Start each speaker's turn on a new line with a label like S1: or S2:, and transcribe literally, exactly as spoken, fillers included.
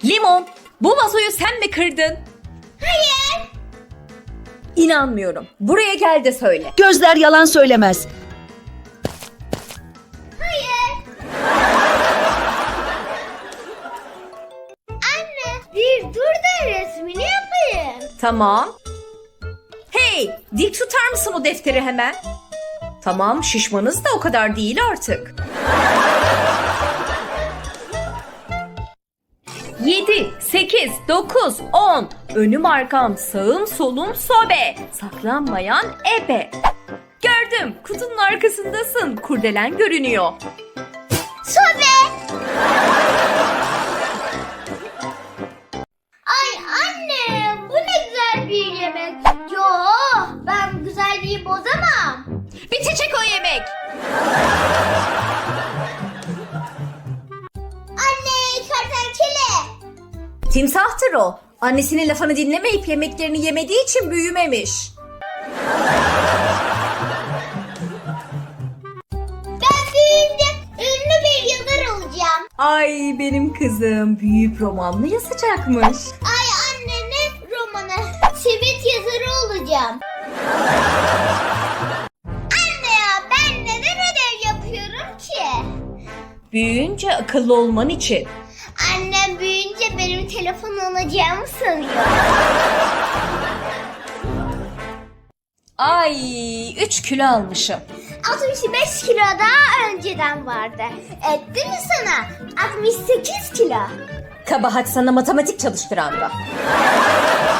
S1: Limon, bu vazoyu sen mi kırdın?
S2: Hayır.
S1: İnanmıyorum. Buraya gel de söyle.
S3: Gözler yalan söylemez.
S2: Hayır. Anne bir dur da resmini yapayım.
S1: Tamam. Hey, dik tutar mısın o defteri hemen? Tamam, şişmanız da o kadar değil artık. Yedi, sekiz, dokuz, on. Önüm arkam, sağım solum sobe. Saklanmayan ebe. Gördüm, kutunun arkasındasın. Kurdelen görünüyor.
S2: Sobe. Ay anne bu ne güzel bir yemek. Yo ben bu güzelliği bozamam.
S1: Bitecek o yemek.
S2: Anne kertenkele.
S1: Timsahtır o. Annesinin lafını dinlemeyip yemeklerini yemediği için büyümemiş.
S2: Ben büyüyünce ünlü bir yazar olacağım.
S1: Ay benim kızım büyüyüp roman mı yazacakmış?
S2: Ay anne ne romanı? Simit yazarı olacağım. Anne ya ben neden ödev yapıyorum ki?
S1: Büyüyünce akıllı olman için.
S2: Annem büyüyünce benim telefon alacağımı sanıyor.
S1: Ay üç kilo almışım.
S2: altmış beş kilo daha önceden vardı. Etti mi sana? altmış sekiz kilo.
S1: Kabahat sana matematik çalıştıran da.